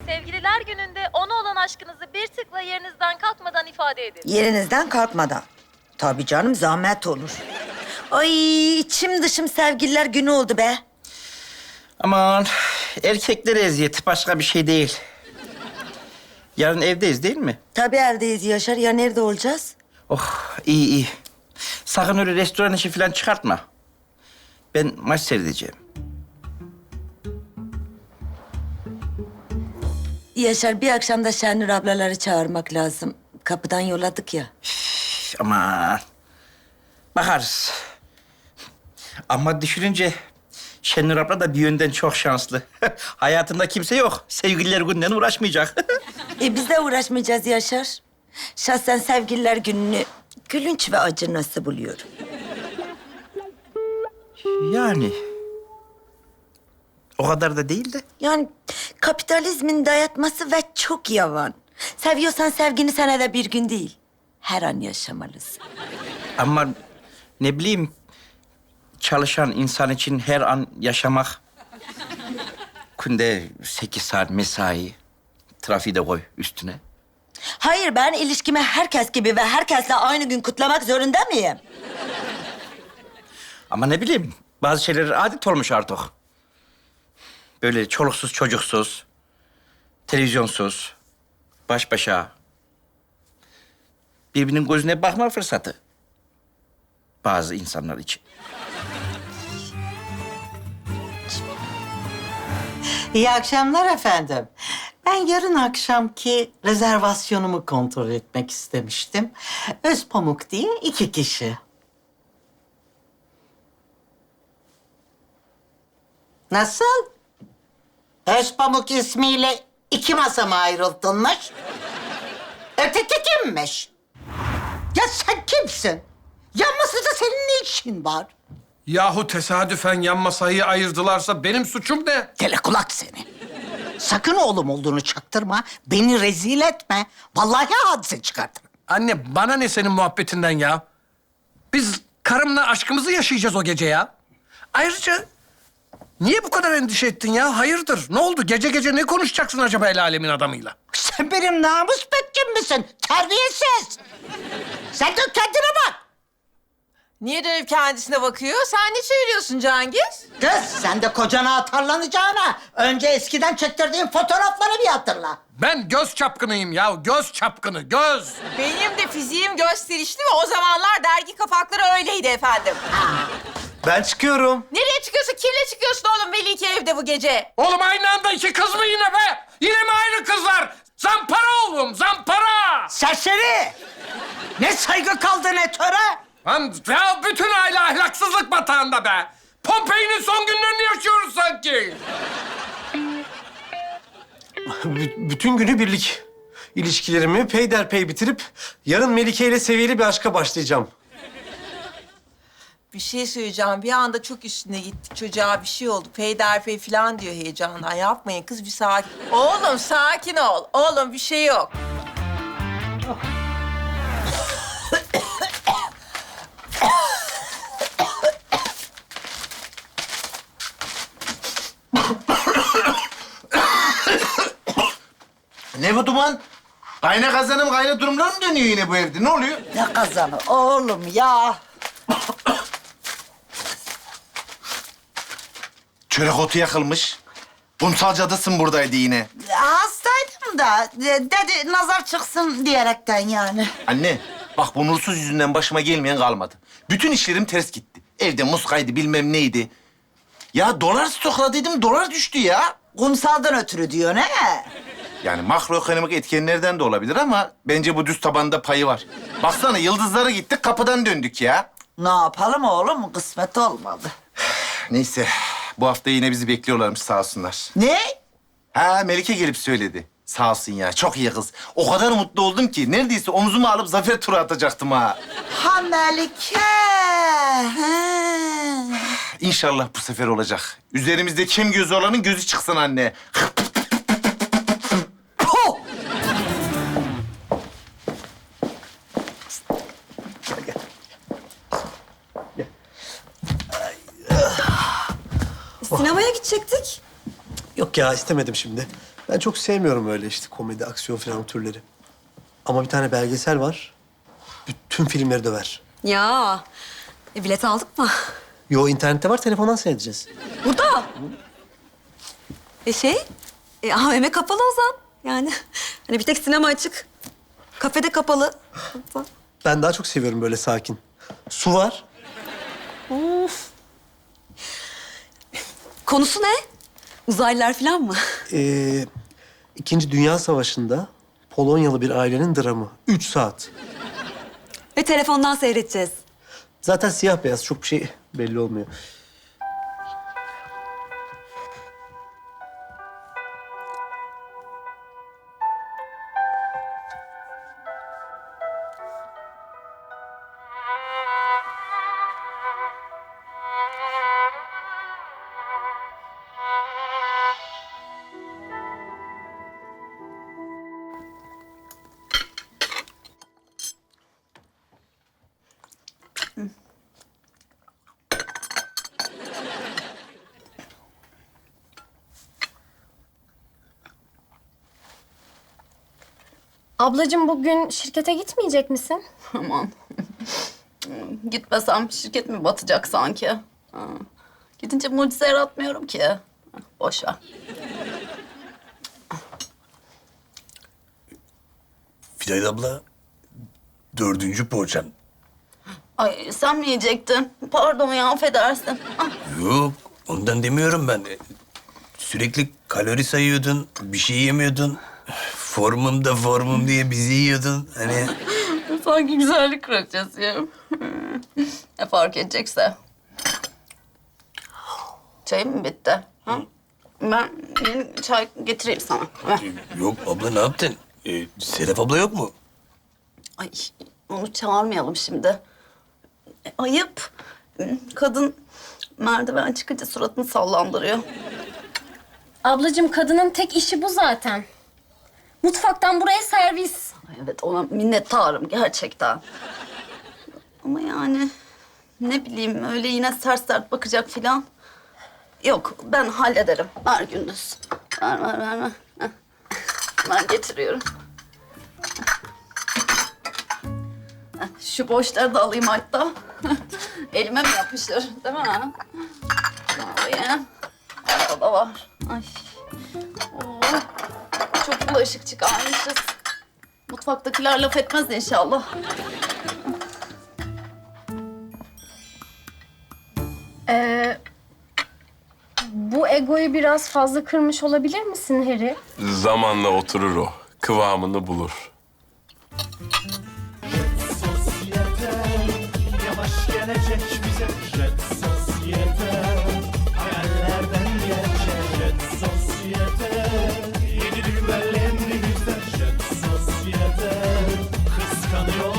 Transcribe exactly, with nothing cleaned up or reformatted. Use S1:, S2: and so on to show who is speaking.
S1: Sevgililer gününde ona olan aşkınızı bir tıkla yerinizden kalkmadan ifade edin.
S2: Yerinizden kalkmadan. Tabii canım, zahmet olur. Ay, içim dışım sevgililer günü oldu be.
S3: Aman erkeklere eziyet başka bir şey değil. Yarın evdeyiz değil mi?
S2: Tabii evdeyiz Yaşar. Ya nerede olacağız?
S3: Oh iyi iyi. Sakın öyle restoran işi falan çıkartma. Ben maç seyredeceğim.
S2: Yaşar, bir akşam da Şenur ablaları çağırmak lazım. Kapıdan yolladık ya.
S3: Üf, aman. Bakarız. Ama düşününce Şenur abla da bir yönden çok şanslı. Hayatında kimse yok. Sevgililer gününden uğraşmayacak.
S2: E biz de uğraşmayacağız Yaşar. Şahsen sevgililer gününü gülünç ve acı nasıl buluyorum.
S3: Yani. O kadar da değil de.
S2: Yani kapitalizmin dayatması ve çok yavan. Seviyorsan sevgini senede bir gün değil, her an yaşamalısın.
S3: Ama ne bileyim, çalışan insan için her an yaşamak... Günde sekiz saat mesai, trafiği de koy üstüne.
S2: Hayır, ben ilişkimi herkes gibi ve herkesle aynı gün kutlamak zorunda mıyım?
S3: Ama ne bileyim, bazı şeyler adet olmuş artık. Böyle çoluksuz çocuksuz, televizyonsuz, baş başa. Birbirinin gözüne bakma fırsatı. Bazı insanlar için.
S4: İyi akşamlar efendim. Ben yarın akşamki rezervasyonumu kontrol etmek istemiştim. Özpamuk diye iki kişi. Nasıl? Özpamuk ismiyle iki masa mı ayrıldınmış? Öteki kimmiş? Ya sen kimsin? Yan masada senin ne işin var?
S5: Yahu tesadüfen yan masayı ayırdılarsa benim suçum ne?
S4: Telekulak seni. Sakın oğlum olduğunu çaktırma. Beni rezil etme. Vallahi hadise çıkartırım.
S5: Anne bana ne senin muhabbetinden ya? Biz karımla aşkımızı yaşayacağız o gece ya. Ayrıca niye bu kadar endişe ettin ya? Hayırdır? Ne oldu? Gece gece ne konuşacaksın acaba el alemin adamıyla?
S4: Sen benim namus bekçim misin? Terbiyesiz. Sen de kendine bak.
S6: Niye dönüp kendisine bakıyor? Sen ne çeviriyorsun Cengiz?
S4: Kız sen de kocana atarlanacağına önce eskiden çektirdiğin fotoğrafları bir hatırla.
S5: Ben göz çapkınıyım ya. Göz çapkını, göz.
S6: Benim de fiziğim gösterişli ve o zamanlar dergi kapakları öyleydi efendim.
S7: Ben çıkıyorum.
S6: Nereye çıkıyorsun? Kimle çıkıyorsun oğlum Melike evde bu gece?
S5: Oğlum aynı anda iki kız mı yine be? Yine mi aynı kızlar? Zampara oğlum, zampara!
S4: Serseri. Ne saygı kaldı ne töre.
S5: Lan ya bütün aile ahlaksızlık batağında be. Pompei'nin son günlerini yaşıyoruz sanki.
S7: B- bütün günü birlik. İlişkilerimi peyderpey bitirip yarın Melike ile seviyeli bir aşka başlayacağım.
S6: Bir şey söyleyeceğim. Bir anda çok üstüne gittik. Çocuğa bir şey oldu. Peyderpey falan diyor heyecandan. Yapmayın kız bir sakin. Oğlum sakin ol. Oğlum bir şey yok.
S8: Ne bu duman? Kayna kazanım kayna durumlar mı dönüyor yine bu evde? Ne oluyor?
S4: Ne kazanı oğlum ya.
S8: Çörek otu yakılmış. Kumsal cadısın buradaydı yine.
S4: Hastaydım da dedi nazar çıksın diyerekten yani.
S8: Anne, bak bu nursuz yüzünden başıma gelmeyen kalmadı. Bütün işlerim ters gitti. Evde muskaydı bilmem neydi. Ya dolar stokladıydım, dolar düştü ya.
S4: Kumsaldan ötürü diyor ne?
S8: Yani makroekonomik etkenlerden de olabilir ama bence bu düz tabanda payı var. Baksana yıldızlara gittik, kapıdan döndük ya.
S4: Ne yapalım oğlum? Kısmet olmadı.
S8: Neyse, bu hafta yine bizi bekliyorlarmış sağ olsunlar.
S4: Ne?
S8: Ha, Melike gelip söyledi. Sağ olsun ya, çok iyi kız. O kadar mutlu oldum ki neredeyse omzuma alıp zafer turu atacaktım ha.
S4: Ha Melike. Ha.
S8: İnşallah bu sefer olacak. Üzerimizde kim gözü olanın gözü çıksın anne.
S4: Puh!
S2: Sinemaya gidecektik.
S7: Yok ya, istemedim şimdi. Ben Ben çok sevmiyorum öyle işte komedi, aksiyon falan türleri. Ama bir tane belgesel var. Bütün filmleri döver.
S9: Ya, e, bilet aldık mı?
S7: Yo internette var, telefondan seyredeceğiz.
S9: Burada. E şey, e, A V M kapalı Ozan. Yani hani bir tek sinema açık. Kafede kapalı.
S7: Ben daha çok seviyorum böyle sakin. Su var.
S9: Konusu ne? Uzaylılar falan mı?
S7: Ee, İkinci Dünya Savaşı'nda Polonyalı bir ailenin dramı. Üç saat.
S9: Ve telefondan seyredeceğiz.
S7: Zaten siyah beyaz, çok bir şey belli olmuyor.
S10: Ablacığım bugün şirkete gitmeyecek misin?
S11: Aman. Gitmesem şirket mi batacak sanki? Ha. Gidince mucize yaratmıyorum ki. Boş ver.
S12: Fidan abla, dördüncü poğaçam.
S11: Ay sen mi yiyecektin? Pardon ya affedersin. Ah,
S12: Yok, ondan demiyorum ben. Sürekli kalori sayıyordun, bir şey yemiyordun. Formum da formum diye bizi yiyordun. Hani
S11: sanki güzellik kraliçesiyim. Ne fark edecekse. Çayım mı bitti? Ha? Ben yeni çay getireyim sana. Ver.
S12: yok abla ne yaptın? Ee, Sedef abla yok mu?
S11: Ay onu çağırmayalım şimdi. E, ayıp. Kadın merdiven çıkınca suratını sallandırıyor.
S10: Ablacığım kadının tek işi bu zaten. Mutfaktan buraya servis.
S11: Ay, evet ona minnettarım gerçekten. Ama yani ne bileyim öyle yine sert sert bakacak filan. Yok ben hallederim. Ver Gündüz. Ver ver ver ver. Heh. Ben getiriyorum. Heh, şu boşları da alayım hatta. Elime mi yapışır değil mi? Alayım. Orada da var. Ay. Oo. Çok bulaşık çıkarmışız. Mutfaktakiler laf etmez inşallah.
S10: Ee, bu egoyu biraz fazla kırmış olabilir misin Harry?
S13: Zamanla oturur o. Kıvamını bulur.
S14: Yavaş gelecek bize Jet Sosyete. Hayallerden gerçek Jet Sosyete. Yeni düğmelerle bizden Jet Sosyete. Kıskanıyor